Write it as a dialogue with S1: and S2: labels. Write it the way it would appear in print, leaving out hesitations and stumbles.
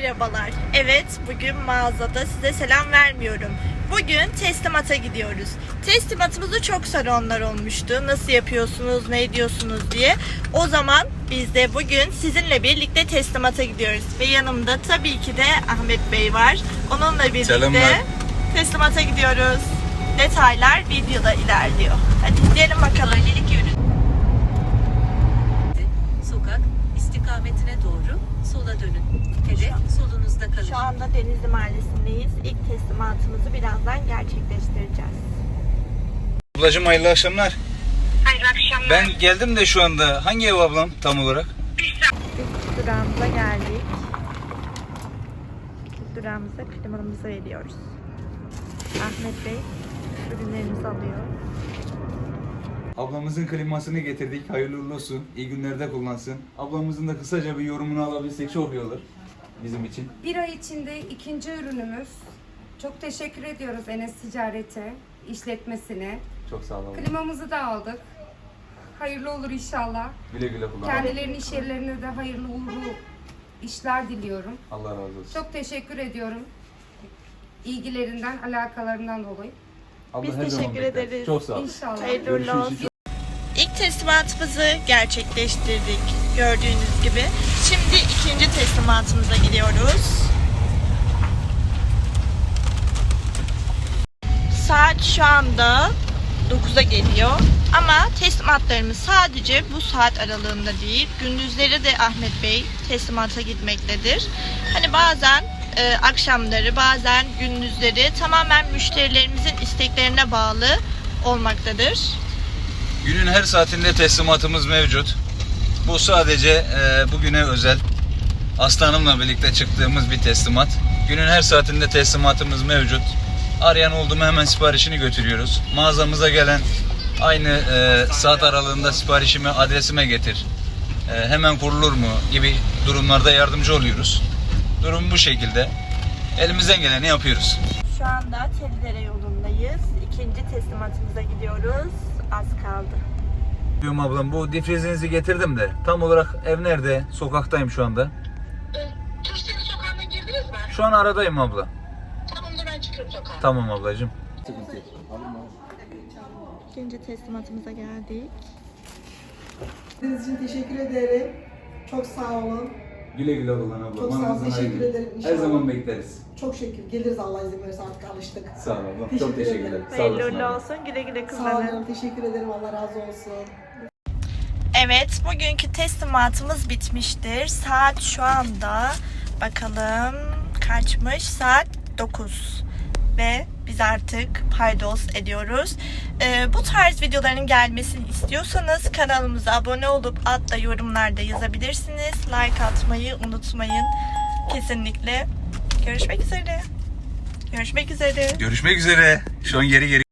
S1: Merhabalar. Evet, bugün mağazada size selam vermiyorum. Bugün teslimata gidiyoruz. Teslimatımızı çok soranlar olmuştu. Nasıl yapıyorsunuz, ne ediyorsunuz diye. O zaman biz de bugün sizinle birlikte teslimata gidiyoruz. Ve yanımda tabii ki de Ahmet Bey var. Onunla birlikte
S2: Selamlar.
S1: teslimata gidiyoruz. Detaylar videoda ilerliyor. Hadi gidelim bakalım.
S3: Sokak istikametine doğru sola dönün. Hedef solunuzda kalır.
S1: Şu anda Denizli Mahallesi'ndeyiz. İlk teslimatımızı birazdan gerçekleştireceğiz.
S2: Ablacığım hayırlı akşamlar.
S4: Hayırlı akşamlar.
S2: Ben geldim de şu anda. Hangi ev ablam tam olarak?
S1: İlk durağımıza geldik. İlk durağımıza klimalarımızı veriyoruz. Ahmet Bey ürünlerimizi alıyor.
S2: Ablamızın klimasını getirdik. Hayırlı uğurlu olsun. İyi günlerde kullansın. Ablamızın da kısaca bir yorumunu alabilsek çok iyi olur bizim için.
S5: Bir ay içinde ikinci ürünümüz. Çok teşekkür ediyoruz Enes Ticaret'e, işletmesine.
S2: Çok sağ olun.
S5: Klimamızı da aldık. Hayırlı olur inşallah.
S2: Güle güle kullan.
S5: Kendilerinin iş yerlerine de hayırlı uğurlu işler diliyorum.
S2: Allah razı olsun.
S5: Çok teşekkür ediyorum. İlgilerinden, alakalarından dolayı.
S2: Abla
S1: Biz
S2: her zaman
S1: teşekkür
S2: bekleriz.
S1: ederiz.
S2: Çok sağ ol.
S5: İnşallah.
S1: Hayırlı uğurlu
S2: Görüşürüz.
S1: olsun. İlk teslimatımızı gerçekleştirdik gördüğünüz gibi. Şimdi ikinci teslimatımıza gidiyoruz. Saat şu anda 9'a geliyor. Ama teslimatlarımız sadece bu saat aralığında değil. Gündüzleri de Ahmet Bey teslimata gitmektedir. Hani bazen akşamları, bazen gündüzleri tamamen müşterilerimizin isteklerine bağlı olmaktadır.
S2: Günün her saatinde teslimatımız mevcut. Bu sadece bugüne özel. Aslanımla birlikte çıktığımız bir teslimat. Günün her saatinde teslimatımız mevcut. Arayan oldu mu hemen siparişini götürüyoruz. Mağazamıza gelen aynı saat aralığında siparişimi adresime getir. Hemen kurulur mu gibi durumlarda yardımcı oluyoruz. Durum bu şekilde. Elimizden geleni yapıyoruz.
S1: Şu anda Telidere yolundayız. İkinci teslimatımıza gidiyoruz. Az kaldı.
S2: Diyorum ablam, bu difrizinizi getirdim de tam olarak ev nerede? Sokaktayım şu anda.
S4: Türkçenin sokağına girdiniz mi?
S2: Şu an aradayım abla.
S4: Tamam da ben çıkıyorum sokağa.
S2: Tamam ablacığım.
S1: İkinci teslimatımıza geldik.
S6: Sizin için teşekkür ederim. Çok sağ olun.
S2: Güle güle kullan abla.
S6: Çok sağ ol,
S2: Manzarası
S6: teşekkür
S2: hayırlı.
S6: ederim.
S2: Her
S6: İnşallah.
S2: zaman bekleriz.
S6: Çok şükür. Geliriz Allah izin verirse, artık alıştık.
S2: Sağ ol abla.
S6: Teşekkür
S2: Çok teşekkür
S6: ederim.
S2: ederim. Sağ
S1: Hayırlı
S2: olasın
S1: uğurlu
S2: abla.
S1: olsun. Güle güle
S6: Sağ
S1: kullanın.
S6: olun. Teşekkür ederim. Allah razı olsun.
S1: Evet, bugünkü teslimatımız bitmiştir. Saat şu anda bakalım kaçmış? Saat 9. Ve biz artık paydos ediyoruz. Bu tarz videoların gelmesini istiyorsanız kanalımıza abone olup altta yorumlarda yazabilirsiniz. Like atmayı unutmayın. Kesinlikle. Görüşmek üzere. Görüşmek üzere.
S2: Görüşmek üzere. Şu an geri